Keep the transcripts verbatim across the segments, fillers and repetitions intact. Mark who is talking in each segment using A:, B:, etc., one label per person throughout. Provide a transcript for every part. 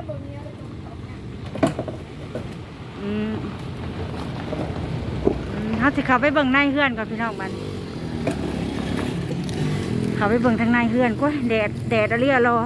A: อืมอืมเขาสิเข้าไปเบิ่งในเฮือนก่อนพี่น้องมันเข้าไปเบิ่งทางในเฮือนก็แดดแดดอะไรอะรอ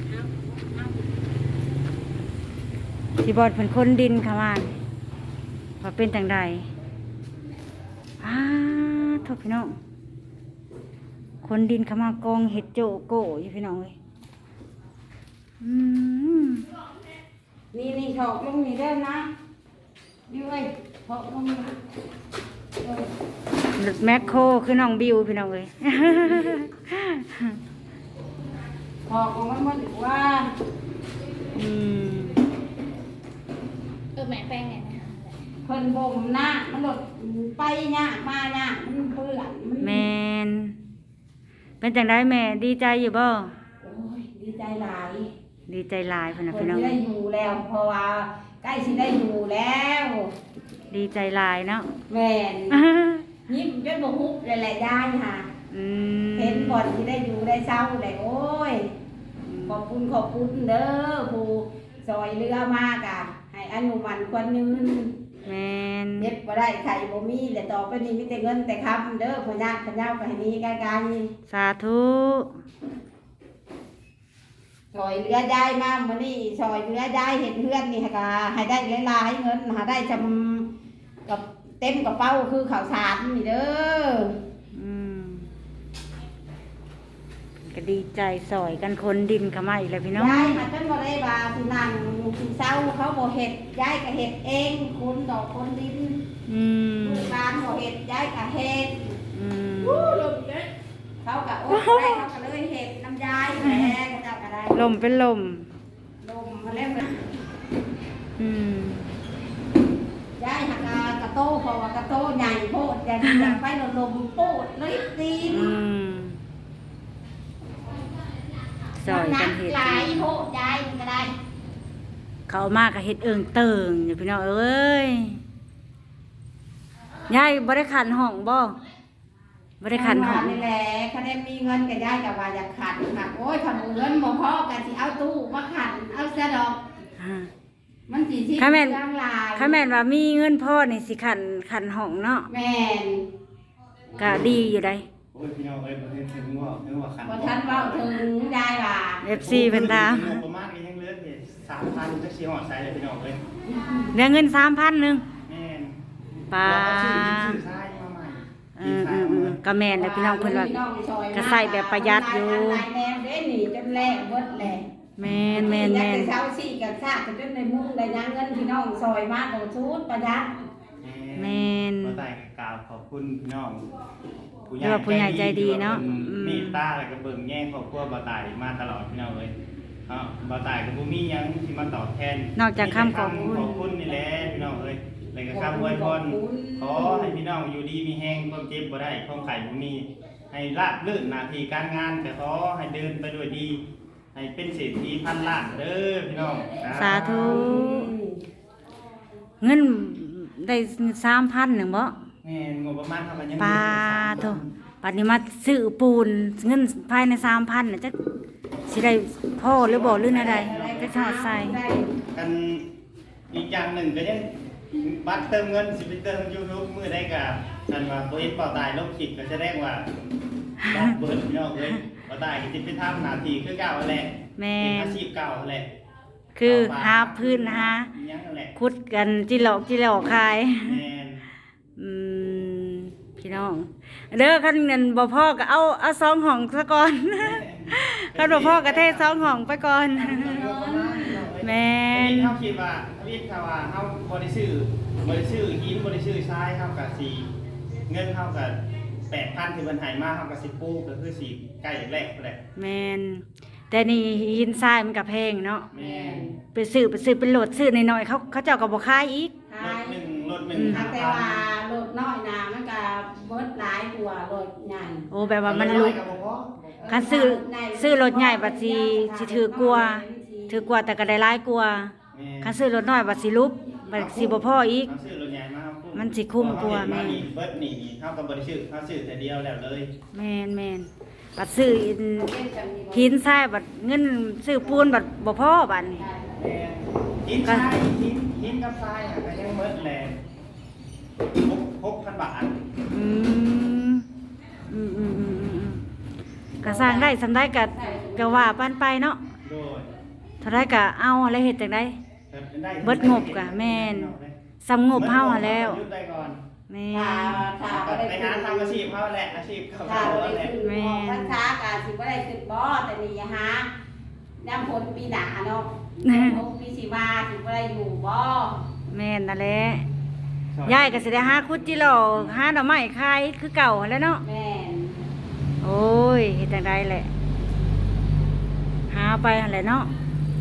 A: สิบอดเป็นคนดินค่ะมันว่าเป็นจังใดอ้าโทษพี่น้องคนดินเขามากองเห็ดโจโก้อยู่พี่น้องเลยอืมนี่นี่ถอกลงนี่เด้อนะอยู่เอ้ยถอกลงนี่รถแมคโครคือน้องบิวพี่น้องเลยถอกของมันมันอยู่ว่าอืม
B: เออแม่แป้งเนี่ยนะ
A: เพิ่นบ่มหน้ามันหลดไปเนี่ยมาเนี่ยมันเปื้อนแมนเป็นจังได้แม่ดีใจอยู่บ่โอ้ยดีใจหลายดีใจหลายเพิ่นน่ะพี่น้องได้อยู่แล้วเพราะว่าใกล้สิได้อยู่แล้วดีใจหลายเนาะแม่นยิ้มจนบ่ฮุบเลยแหละยายค่ะอืมเห็นบ่อนที่ได้อยู่ได้เศร้าได้โอ้ยขอบคุณขอบคุณเด้อผู้ซอยเรือมากอ่ะให้อนุมันควรยืนแม่นเย็บบ่ได้ไข่บ่มีแต่ต่อไปนี้มีแต่เงินแต่คำเด้อพ่อญาติพ่อเจ้าไปให้มีกันกันสาธุซอยเรือยายมามื้อนี้ซอยเรือยายเห็นเพื่อนนี่ค่ะให้ได้หลายๆเงินหาได้จำกับเต็มกระเป๋าคือข้าวสารนี่เด้ออืมก็ดีใจซอยกันคนดินเข้ามาอีกแล้วพี่น้องยายมาจนบ่ได้ว่าสินั่งสิเศร้าเขาบ่เฮ็ดยายก็เฮ็ดเองคนดอกคนดินอืมลูกหลานบ่เฮ็ดยายก็เฮ็ดอืมโอ้ลมเด้เขาก็โอ้ได้เขาก็เลยเฮ็ดน้ำยายแหละเขาเจ้าก็ได้ลมเป็นลมลมมาแล้วอืมยายหักกระโตเพราะว่ากระโตใหญ่โพดอยากอยากไปลมโพดเลยตีนซอยกันเห็ดหลายโพดยายก็ได้เขามากกับเห็ดเอิงเติงอย่าพี่น้องเอ้ยยายบ่ได้ขันห้องบ่บ่ได้ขันห้องนี่แหละคะแนนมีเงินกับยายกับว่าอยากขันค่ะโอ้ยทำเงินบ่พอกันสิเอาตู้มาขันเอาเสียดอกมันสีที่ข้าแม่นข้าแม่นว่ามีเงินพ่อนี่สิขันขันห้องเนาะแม่นก็ดีอยู่ได้
C: โอ้ยพี่น้องเอ้ยประเทศถึงว่าถึงว่าขัน
A: บ่ทันเว้าถึงยายว่า เอฟ ซี เพิ่นถาม
C: ประมาณนี้ยังเหลือเพียง สามพัน จักสิฮอดไสเลยพี่น้องเอ้ย
A: เหลือเงิน สามพัน นึง
C: แม่น
A: ปา
C: ซื้อซื้อทรายมาใหม่
A: เออๆๆก็แม่นเด้อพี่น้องเพิ่นว่าก็ใส่แบบประหยัดอยู่หลายแนวเด้นี่จนแลกเบิดแลแม่นแม่นแม่นเช้าสี่กับซากกันจนในมุ้งได้ยังเงินพี่น้องซอยมากของชุดประหยัดแม่น
C: บ่ได้กล่าวขอบคุณพี่น้อง
A: ผู้ใหญ่ผู้ใหญ่ใจดีเนาะ
C: เมตตาแล้วก็เบิ่งแย่งครอบครัวบ่ตายมาตลอดพี่น้องเอ้ยเนาะบ่ตายก็บ่มีหยังที่มาตอบแทน
A: นอกจากคำขอบคุณ
C: ขอบคุณนี่แหละพี่น้องเอ้ยแล้วก็คำอวยพรขอให้พี่น้องอยู่ดีมีแรงความเจ็บบ่ได้ความไข้บ่มีให้ราบรื่นหน้าที่การงานก็ขอให้เดินไปด้วยดีให้เป็นเศรษฐีพันล้านเด้อพี่น้อง
A: สาธุเงินได้ สามพัน นึงบ่
C: แม่นงบประมาณเท่ากันยัง
A: ปาโธ่ปัดนี้มาซื้อปูนเงินภายใน สามพัน น่ะจักสิได้พ่อหรือบ่หรืออะไรจักทอดใส่
C: กันอีกอย่างหนึ่งก็ยังบัตรเติมเงินสิไปเติม YouTube มื้อใดก็อันว่าบ่เฮ็ดเป่าตายลบคลิปก็แสดงว่าบัตรเบิดพี่น้องเอ้ยบ่ได้ก็สิไปทำหน้าที่คือเก่าแหละ
A: แม่
C: นอาชีพเก่าแหละ
A: คือหาพื้นหาขุดกันจิหลอกจิหลอกขาย
C: แม่น
A: อืมพี่น้องเด้อคันเงินบ่พอก็เอาเอาสองห้องซะก่อนคันบ่พอก็เทสองห้องไปก่อนแม่น
C: เฮาคิดว่าวิทย์ว่าเฮาบ่ได้ซื้อบ่ได้ซื้อหินบ่ได้ซื้อทรายเฮาก็สิเงินเฮาก็ แปดพัน ที่เพิ่นให้มาเฮาก็สิปลูกก็คือสิใกล้แรกแหละ
A: แม่นแต่นี่หินทรายมันก็แพงเนาะแม่นไปซื้อไปซื้อเป็นโหลดซื้อน้อยๆเขาเขาเจ้าก็บ่ขายอีก
C: รถหนึ่งรถหนึ่ง
A: แต่ว่าโหลดน้อยน่ะมันก็เบิดหลายกว่าโหลดใหญ่โอ้แบบว่ามันลุกคันซื้อซื้อรถใหญ่บัดสิสิถือกว่าถือกว่าแต่ก็ได้หลายกว่าคันซื้อรถน้อยบัดสิลุบบัดสิบ่พออีก
C: ซื้อรถใหญ่มา
A: มันสิคุ้มกว่าแม่
C: เบิดนี่เฮาก็บ่ได้ซื้อเฮาซื้อแต่เดียวแล้วเลย
A: แม่นๆบัดซื้อหินทรายบัดเงินซื้อปูนบัดบ่พอบัดนี้
C: แม่หินทรายหินหินกับทรายอ่ะก็ยังเมิดแลหกหกพันบาท
A: อืมอืมอืมอืมอืมก็สร้างได้สำได้ก็ก็ว่าปานไปเนาะ
C: โดย
A: เท่าไรก็เอาอะไรเฮ็ดจังได๋
C: ได้
A: เบิดงบกะแม่น สำงบเฮาหั้นแล้ว
C: ยุดได้ก่อน
A: แม่
B: ถ้าถ้าบ่ได้
C: ไป
B: ขึ้
C: หาน ทำอาชีพเขาแหละอาชีพเขา
B: ถ้าบ่
C: แห
B: ได้
C: ละ
B: ขึ้นของพรรษากะสิบ่ได้ขึ้นบ่แต่นี่อย่าหาน้ำฝนปีหน้าเนาะของปีสิมาสิบ่ได้อยู่บ่
A: แม่นนั่นแหละยายก็สิได้หาคุดจิโร่หาดอกไม้ขายคือเก่าหั้นแหล้วเนาะ
B: แม่น
A: โอ้ยเฮ็ดจังไดแหละ หาไปหั่นแหละเนาะ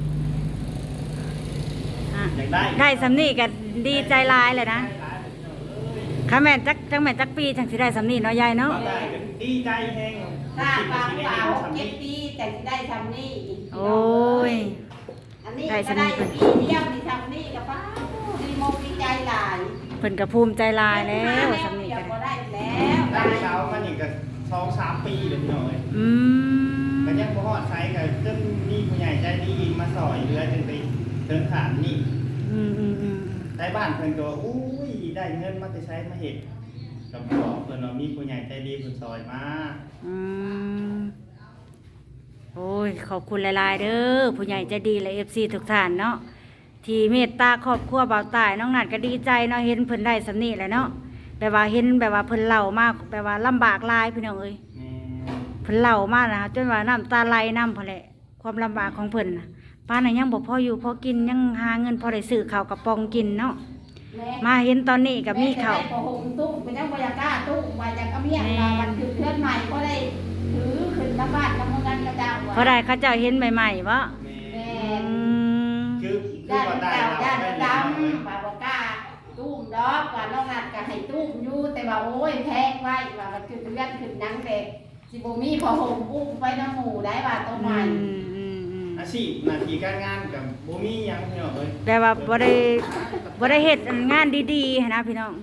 A: อ่ะ
C: อยากได้
A: ได้สำนี้ก็ดีใจหลายเลยนะค่ะแม่นจักจังแม่นจักปีจังสิได้สำนี้เนาะยายเนาะ
C: ได้ดีใจแฮง
B: ถ้าฟังว่าหกเจ็ดปีแต่สิได้ทำนี่
A: โอ้ย
B: อันนี้ก็ได้ปีเดียวนี่ทำนี่ก็ป้าดีมกดีใจหลาย
A: เพิ่นก็ภูมิใจหลายแล้วสำนี้
B: เดีย
A: ก็
B: ว
A: ได้
B: ได้แล้ว
C: ได้เช้ามันอีกก็สองสามปีเลยพี่น้องเอ้ย
A: อืม
C: ก็ยังบ่ฮอดไสก็จนมีผู้ใหญ่ใจดีมาซอยเหลือจนไปถึงขานนี่
A: อืมอืมอืม
C: ได้บ้านเพิ่นก็ว่าอุ้ยได้เงินมาแต่ใช้มาเฮ็ดก็บอกเพิ่นว่ามีผู้ใหญ่ใจดีเพิ่นซอยมา
A: อืมโอ้ยขอบคุณหลายๆเด้อผู้ใหญ่ใจดีและ เอฟ ซี ทุกท่านเนาะที่เมตตาครอบครัวเบาตายน้องนัดก็ดีใจเนาะเห็นเพิ่นได้สำนี้แหละเนาะแปลว่าเห็นแบบว่าเพิ่นเล่ามากแปลว่าลำบากหลายพี่น้องเอ้ย
C: แม่
A: เพิ่นเล่ามากนะคะจนว่าน้ำตาไหลน้ำพอแหละความลำบากของเพิ่นน่ะป้าน่ะยังบ่พออยู่พอกินยังหาเงินพอได้ซื้อข้าวกระป๋องกินเนาะมาเห็นตอนนี้ก็มีข้าว
B: แม่จะได้ประหงตุ้มเป็นยังบรรยากล้าตุ้มมาจากอเมียมาวันคือเพื่อนใหม่ก็ได้ถือขึ้นมาบ้านน้ำมันกระเจ้า
A: พอได้เขาเจ้าเห็นใหม่ๆบ่
C: แม่
B: แม่
A: อืม
C: คือคือ
B: ญา
C: ว่า
B: ติ
C: ได้
B: เจ้า
C: เรา
B: ญาติ
C: ได้
B: ด
C: เลย
B: ำบาบอกล้าตุ้มดอกว่าน้องนัดก็ให้ตุ้มอยู่แต่ว่าโอ้ยแพงไว้ว่ามันคือเพื่อนขึ้นนังเด็กสิบ่มีพอหงอุ้มไปน้ำหมูได้ว่าต้น
A: อื
B: ใหม่
A: มอืมอืม
C: อาชีพหน้าที่การงานกับบ่มีหยังพี่น้องเอ้ย
A: แต่ว่าบ่ได้บ่ได้เฮ็ดงานดีๆหั้นนะพี่น้อง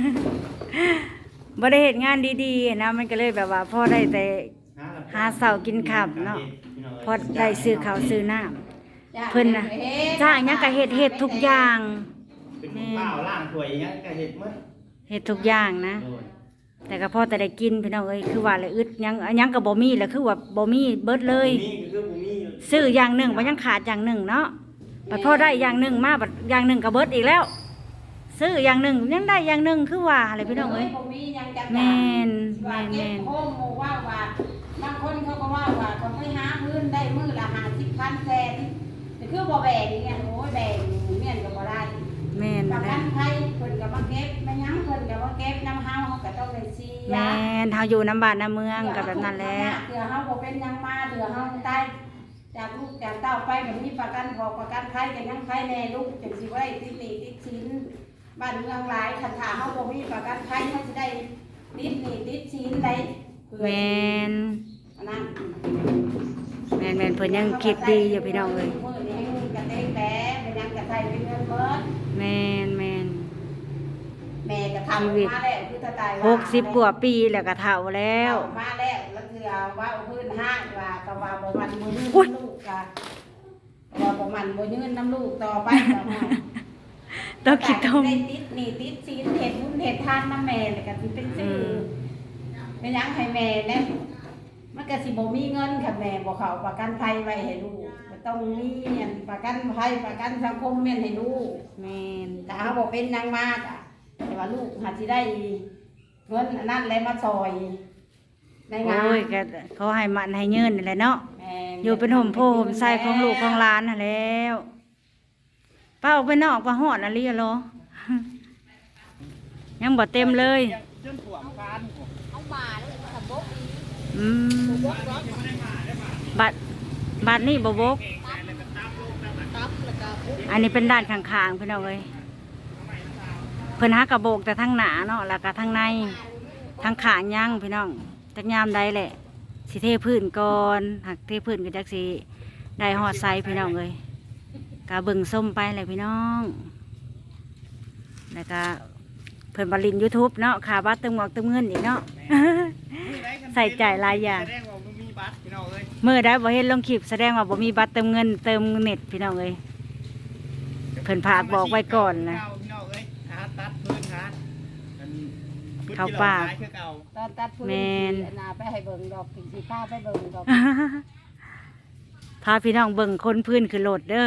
A: บ่ได้เฮ็ดงานดีๆหั้นนะมันก็เลยแบบว่าพอได้แต่ หาเช้ากินค่ำเนาะ พอได้ซื้อข้าวซื้อน้ำเพิ่นน่ะจ้างหยังก็เฮ็ดเฮ็ดทุกอย่าง
C: เป็นคนเปล่าล่างถ้วยหยังก็เฮ็ดหมด
A: เฮ็ดทุกอย่างนะ
C: โดย
A: แต่ก็พอแต่ได้กินพี่น้องเอ้ยคือว่าเลยอึดหยังหยังก็บ่มีแหล้วคือว่าบ่มีเบิดเลย
C: มีก็คือบ่มี
A: ซื้ออย่างหนึ่งบ่ยังขาดอย่างหนึ่งเนาะบัดพอได้อย่างหนึ่งมาบัดอย่างหนึ่งก็เบิดอีกแล้ว ซื้ออย่างหนึ่งยังได้อย่างหนึ่งคือว่าอะไรพี่น้องเอ้ย แม่นแม่นแม่น
B: โค้งหมู่ว่าว่าบางคนเขาก็ว่าว่าเขาไปหาพื้นได้มือละห้าสิบพันแสนแต่คือบ่แบ่งอย่างเงี้ยโอ้ยแบ่งเมียนก็บ่ได้
A: แม่น
B: ประ
A: แห
B: กั
A: ละ
B: นไทยเพิ่นก็มาเก็บมายังเพิ่นก็มาเก็บน้ำเฮาเฮาก็ต้องได้เสีย
A: แม่นเฮาอยู่น้ำบ้านน้ำเมืองก็แบบนั้นแหละ
B: เถื่อเฮาบ่เป็นหยังมาเถื่อเฮาตายจากลูกจากเต้าไปก็มีประกันพอประกันไทยก็ยังไทยแน่ลูกจังสิบ่ได้ติดหนี้ติดสินบ้านเมืองหลายคันถ้าเฮาบ่มีประกันไทยเฮาสิได้ติดหนี้ติดสินได้เพื่อ
A: แม่น
B: อันนั้น
A: แม่นแม่นเพิ่นยังคิดดีอยู่พี่น้องเอ้ย
B: มื้อนี้ให้เงินกระเตงแปะเป็นหยังกระไทยเป็นเงินเบิด
A: แม่นแม่น
B: แม่ก็ทำมาแล้วคือตาตายว่า
A: หกสิบกว่าปีแล้วก็เฒ่าแล้ว
B: เอามาแล้วแล้วคือเอาว่าเอาพื้นห้างว่าก็ว่าบ่มันบ่ยืน
A: อุ๊ย
B: น้ำลูกกะว่าบ่มันบ่ยืนน้ำลูกต่อไปก็ว่า
A: ต้องคิดทม
B: ได้ติดหนี่ติดศีลเฮ็ดบุญเฮ็ดทานนำแม่แล้วก็สิเป็นชื่อ
A: ม
B: เป็นหยังให้แม่แน่มันก็สิบ่มีเงินค่ะแม่บ่เข้าประกันภัยไว้ให้ลูกก็ต้องมีอันประกันภัยประกันสังคมแม่นให้ลูก
A: แม่น
B: แต่เฮาบ่เป็นหยังมากอ่ะแต่ว่าลูกหาสิได้เงินอันนั้นแหละมาซอยในงาน
A: โอ้ยก็เขาให้มันให้ยืนนี่แหละเนาะ
B: แม่
A: อยู่เป็นห่มโพห่มไส้ของลูกของหลานน่ะแล้วป้าออกไปนอกว่าฮอดอะไรอะเหรอ ยังบ่เต็มเลย
C: จนท่วมคาน
B: เอามาแล้วมันก็บกอีก
A: อืม
B: บกรถ
A: บัตรบัตรนี่บ่บก
B: ตับแล้วก็บุก
A: อันนี้เป็นด้านข้างๆพี่น้องเอ้ยเพิ่นหากระโบกแต่ทั้งหน้าเนาะแล้วก็ทั้งในทั้งข้างย่างพี่น้องจักยามใดแหละสิเทพื้นก่อนหักเทพื้นก็จักสิได้ฮอดไซพี่น้องเอ้ยก็เบิ่งส้มไปเลยพี่น้องแล้วก็เพิ่นบริน YouTube เนาะค่าบัตรเติมหมอกเติมเงินอีกเนาะ ใส่ใจหลายอย่าง
C: แสดงว่าบ่มีบัตรพี่น้องเอ้ย
A: เมื่อได้บ่เห็นลงคลิปแสดงว่าบ่มีบัตรเติมเงินเติมเน็ตพี่น้องเอ้ยเพิ่นผากบอกไว้ก่อนนะ
C: เาพี่น้องเอ้ยหาตัดพื้นหาอันพื้น
A: เข้า
C: ที่
A: ป่า
C: เรขยคือเก่า
B: ตอนตัดพื้น
A: แม่น
B: สิอันนาไปให้เบิ่งดอกสิพาไปเบิ่งดอก
A: พาพี่น้องเบิ่งคนพื้นคือโหลดเด้อ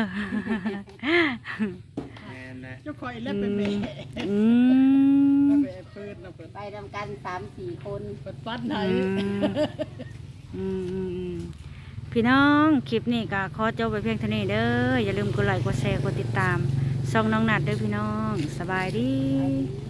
C: แม่นนะ
D: เจ้าคอยเล่นเป็นแม่
A: อืม
D: แม่ปืนนะเปิด
B: ไปทำกันสามสี่คน
D: เปิดปั้นไหน
A: อืมอืมอืมพี่น้องคลิปนี้ก็ขอจบไปเพียงเท่านี้เด้ออย่าลืมกดไลค์กดแชร์กดติดตามช่องน้องนัดเด้อพี่น้องสบายดี
B: ไปดี